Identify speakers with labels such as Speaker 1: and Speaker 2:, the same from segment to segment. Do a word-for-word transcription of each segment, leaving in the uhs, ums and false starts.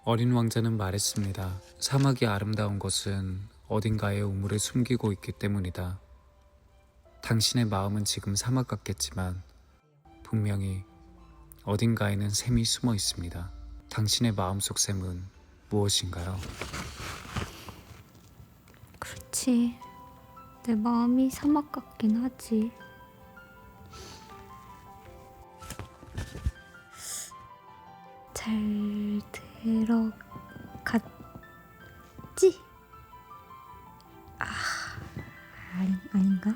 Speaker 1: 어린 왕자는 말했습니다. 사막이 아름다운 것은 어딘가에 우물을 숨기고 있기 때문이다. 당신의 마음은 지금 사막 같겠지만 분명히 어딘가에는 샘이 숨어 있습니다. 당신의 마음속 샘은 무엇인가요?
Speaker 2: 그렇지. 내 마음이 사막 같긴 하지. 잘 들어갔지? 아, 아니, 아닌가?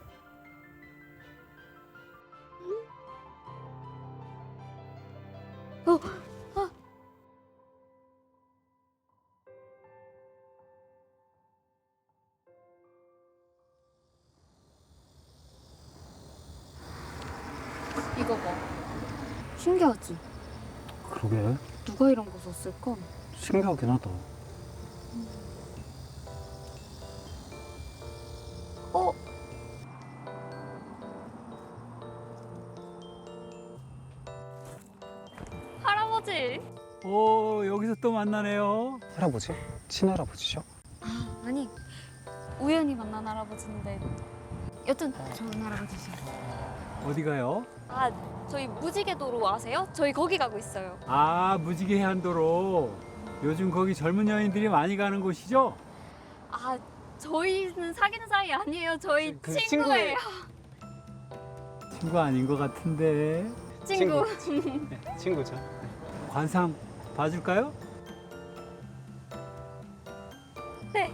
Speaker 2: 어, 어. 이거 봐. 신기하지?
Speaker 3: 그러게
Speaker 2: 누가 이런 거 썼을까?
Speaker 3: 신기하긴 하다.
Speaker 2: 어? 할아버지!
Speaker 4: 오, 여기서 또 만나네요.
Speaker 3: 할아버지? 친할아버지죠?
Speaker 2: 아, 아니, 우연히 만난 할아버지인데 여튼 좋은 할아버지세요.
Speaker 4: 어디 가요?
Speaker 2: 아, 저희 무지개도로 아세요? 저희 거기 가고 있어요.
Speaker 4: 아, 무지개 해안도로. 요즘 거기 젊은 여인들이 많이 가는 곳이죠?
Speaker 2: 아, 저희는 사귀는 사이 아니에요. 저희
Speaker 3: 그
Speaker 2: 친구예요.
Speaker 4: 친구 아닌 것 같은데.
Speaker 2: 친구.
Speaker 3: 네, 친구죠.
Speaker 4: 관상 봐줄까요?
Speaker 2: 네.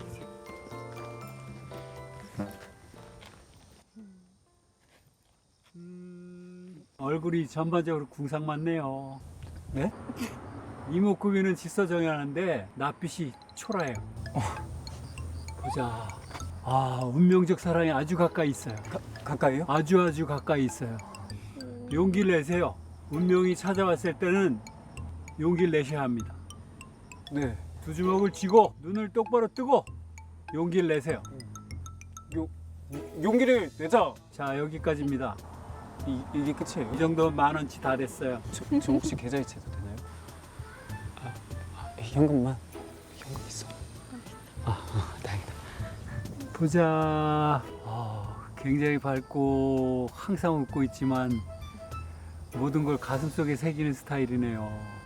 Speaker 4: 음, 얼굴이 전반적으로 궁상 맞네요.
Speaker 3: 네?
Speaker 4: 이목구비는 질서정연한데 낯빛이 초라해요. 보자. 아, 운명적 사랑이 아주 가까이 있어요.
Speaker 3: 가, 가까이요?
Speaker 4: 아주 아주 가까이 있어요. 용기를 내세요. 운명이 찾아왔을 때는 용기를 내셔야 합니다.
Speaker 3: 네.
Speaker 4: 두 주먹을 쥐고 눈을 똑바로 뜨고 용기를 내세요.
Speaker 3: 요, 용기를 내자.
Speaker 4: 자, 여기까지입니다.
Speaker 3: 이, 이게 끝이에요.
Speaker 4: 이 정도면 만 원치 다 됐어요.
Speaker 3: 저, 저 혹시 계좌이체도 되나요? 아, 아, 현금만. 현금 있어. 아, 아 다행이다.
Speaker 4: 보자. 아, 굉장히 밝고 항상 웃고 있지만 모든 걸 가슴속에 새기는 스타일이네요.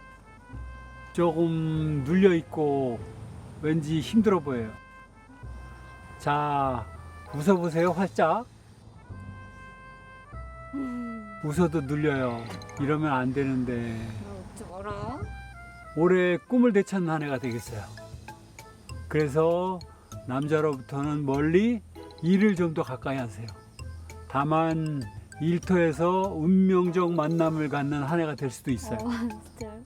Speaker 4: 조금 눌려 있고 왠지 힘들어 보여요. 자, 웃어보세요, 활짝.
Speaker 2: 음,
Speaker 4: 웃어도 눌려요. 이러면 안 되는데.
Speaker 2: 웃지 마라.
Speaker 4: 올해 꿈을 되찾는 한 해가 되겠어요. 그래서 남자로부터는 멀리, 일을 좀 더 가까이 하세요. 다만 일터에서 운명적 만남을 갖는 한 해가 될 수도 있어요.
Speaker 2: 어, 진짜요?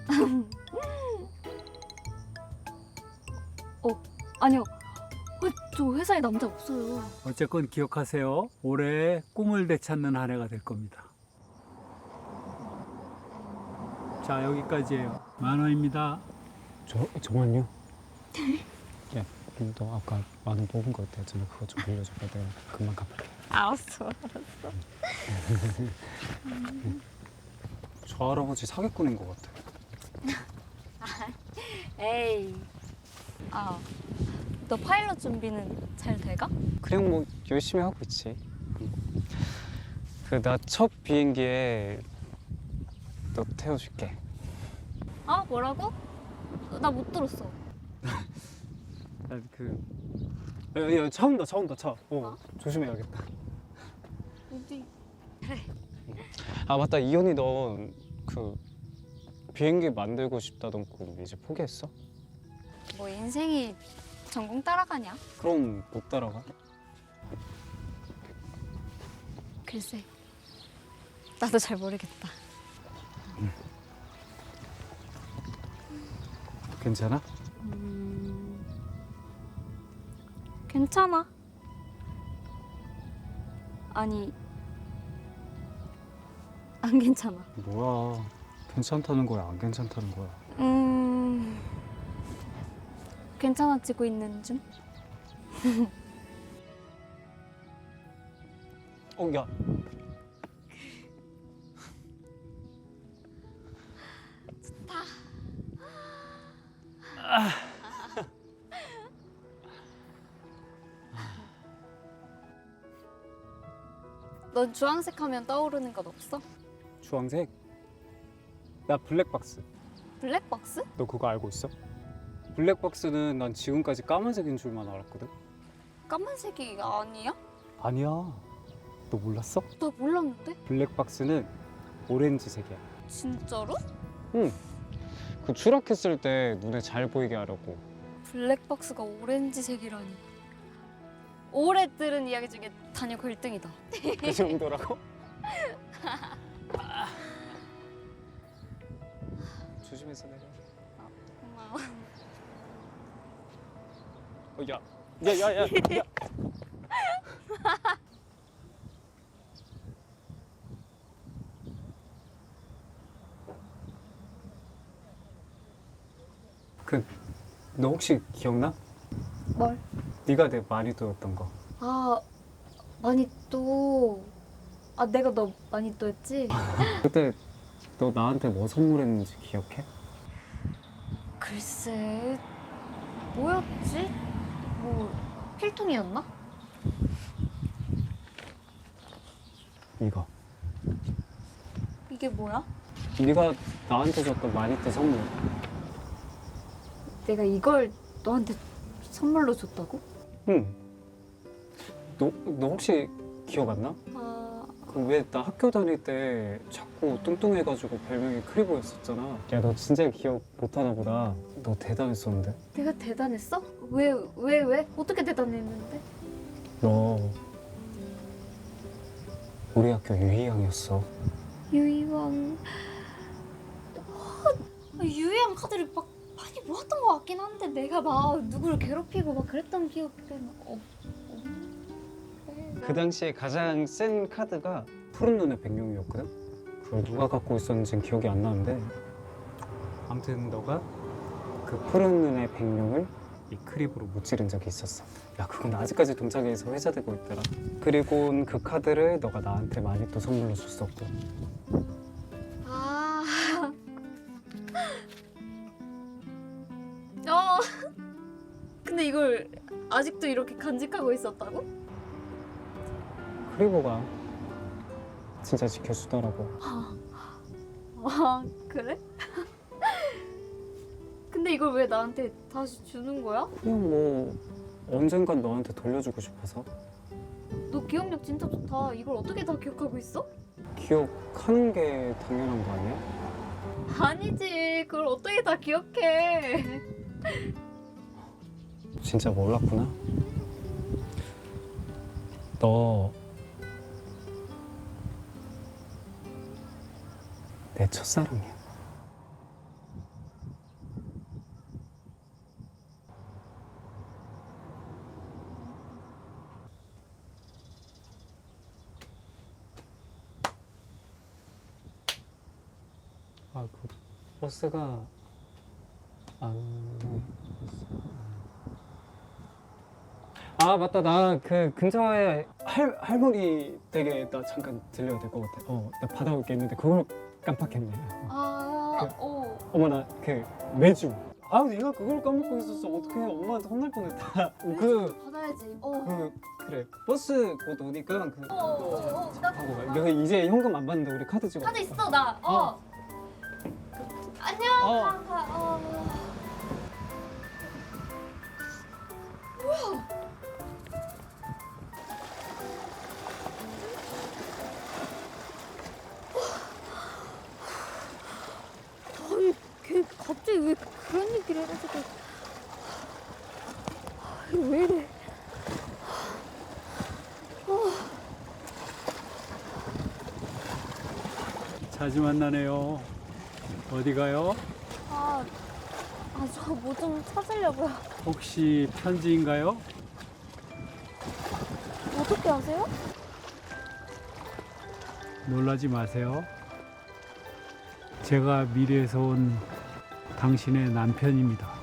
Speaker 2: 어, 아니요. 어, 저 회사에 남자 없어요.
Speaker 4: 어쨌건 기억하세요. 올해 꿈을 되찾는 한 해가 될 겁니다. 자, 여기까지예요. 만 원입니다.
Speaker 3: 저, 정말요? 야, 그럼 너 아까 만 원 뽑은 거 있다잖아. 그거 좀 빌려줘봐. 내가 금방 갚을게.
Speaker 2: 알았어, 알았어.
Speaker 3: 저 할아버지 사기꾼인 것 같아.
Speaker 2: 에이. 아, 너 파일럿 준비는 잘 돼가?
Speaker 3: 그냥 뭐 열심히 하고 있지. 그 나 첫 비행기에 너 태워줄게.
Speaker 2: 아, 뭐라고? 나 못 들었어.
Speaker 3: 그, 야, 야, 차 온다, 차 온다, 차. 어,
Speaker 2: 어?
Speaker 3: 조심해야겠다.
Speaker 2: 어디?
Speaker 3: 아 맞다, 이현이 너 그 비행기 만들고 싶다던고 이제 포기했어?
Speaker 2: 뭐 인생이 전공 따라가냐?
Speaker 3: 그럼 못 따라가?
Speaker 2: 글쎄, 나도 잘 모르겠다.
Speaker 3: 괜찮아?
Speaker 2: 음, 괜찮아. 아니, 안 괜찮아.
Speaker 3: 뭐야, 괜찮다는 거야, 안 괜찮다는 거야?
Speaker 2: 음, 괜찮아지고 있는 중?
Speaker 3: 어, 야.
Speaker 2: 좋다. 넌 주황색 하면 떠오르는 건 없어?
Speaker 3: 주황색? 나 블랙박스.
Speaker 2: 블랙박스?
Speaker 3: 너 그거 알고 있어? 블랙박스는 난 지금까지 까만색인 줄만 알았거든.
Speaker 2: 까만색이 아니야?
Speaker 3: 아니야. 너 몰랐어?
Speaker 2: 나 몰랐는데?
Speaker 3: 블랙박스는 오렌지색이야.
Speaker 2: 진짜로?
Speaker 3: 응. 그 추락했을 때 눈에 잘 보이게 하려고.
Speaker 2: 블랙박스가 오렌지색이라니. 오래 들은 이야기 중에 단역 일 등이다.
Speaker 3: 그 정도라고? 조심해서 내려.
Speaker 2: 고마워.
Speaker 3: 어, 야, 야, 야, 야, 야. 그, 너 혹시 기억나?
Speaker 2: 뭘?
Speaker 3: 네가 내 마니또였던 거.
Speaker 2: 아, 마니또. 아, 내가 너 마니또 했지?
Speaker 3: 그때 너 나한테 뭐 선물했는지 기억해?
Speaker 2: 글쎄, 뭐였지? 뭐, 필통이었나?
Speaker 3: 이거.
Speaker 2: 이게 뭐야?
Speaker 3: 네가 나한테 줬던 마니또 선물.
Speaker 2: 내가 이걸 너한테 선물로 줬다고?
Speaker 3: 응. 너, 너 혹시 기억 안 나?
Speaker 2: 아,
Speaker 3: 그 왜 나 학교 다닐 때 자꾸 뚱뚱해가지고 별명이 크리보였었잖아. 야, 너 진짜 기억 못하나 보다. 너 대단했었는데.
Speaker 2: 내가 대단했어? 왜, 왜, 왜? 어떻게 대단했는데?
Speaker 3: 너 우리 학교 유희양이었어.
Speaker 2: 유희왕. 아, 유희왕 카드를 막 많이 모았던 것 같긴 한데 내가 막 누구를 괴롭히고 막 그랬던 기억은 없. 없는데.
Speaker 3: 그 당시에 가장 센 카드가 푸른 눈의 백룡이었거든? 그걸 누가 갖고 있었는지는 기억이 안 나는데 아무튼 너가 그 푸른 눈의 백룡을 이 크립으로 무찌른 적이 있었어. 야, 그건 아직까지 동창회에서 회자되고 있더라. 그리고 그 카드를 너가 나한테 많이 또 선물로 줬었고.
Speaker 2: 아. 어. 근데 이걸 아직도 이렇게 간직하고 있었다고?
Speaker 3: 크리보가 진짜 지켜주더라고.
Speaker 2: 아, 그래? 근데 이걸 왜 나한테 다시 주는 거야?
Speaker 3: 그냥 뭐 언젠간 너한테 돌려주고 싶어서.
Speaker 2: 너 기억력 진짜 좋다. 이걸 어떻게 다 기억하고 있어?
Speaker 3: 기억하는 게 당연한 거 아니야?
Speaker 2: 아니지. 그걸 어떻게 다 기억해?
Speaker 3: 진짜 몰랐구나. 너 내 첫사랑이야. 아, 그 버스가 안... 아, 맞다. 나 그 근처에 할, 할머니 댁에 나 잠깐 들려야 될 것 같아. 어, 나 받아올 게 있는데 그걸 깜빡했네.
Speaker 2: 아,
Speaker 3: 그-
Speaker 2: 어.
Speaker 3: 어머, 나 그 매주. 아, 내가 그걸 까먹고 있었어. 어떡해. 엄마한테 혼날 뻔했다. 그,
Speaker 2: 받아야지. 어.
Speaker 3: 그, 그래. 버스 곧 오니까 그,
Speaker 2: 어, 어, 어, 나
Speaker 3: 하고 가. 내가 이제 현금 안 받는데 우리 카드 찍어.
Speaker 2: 카드 있어 나. 어.
Speaker 3: 어.
Speaker 2: 안녕.
Speaker 3: 어.
Speaker 2: 가, 가. 어. 아니, 걔 갑자기 왜 그런 얘기를 해가지고. 아, 왜 이래?
Speaker 4: 자주 만나네요. 어디 가요?
Speaker 2: 아, 아, 저 뭐 좀 찾으려고요.
Speaker 4: 혹시 편지인가요?
Speaker 2: 어떻게 아세요?
Speaker 4: 놀라지 마세요. 제가 미래에서 온 당신의 남편입니다.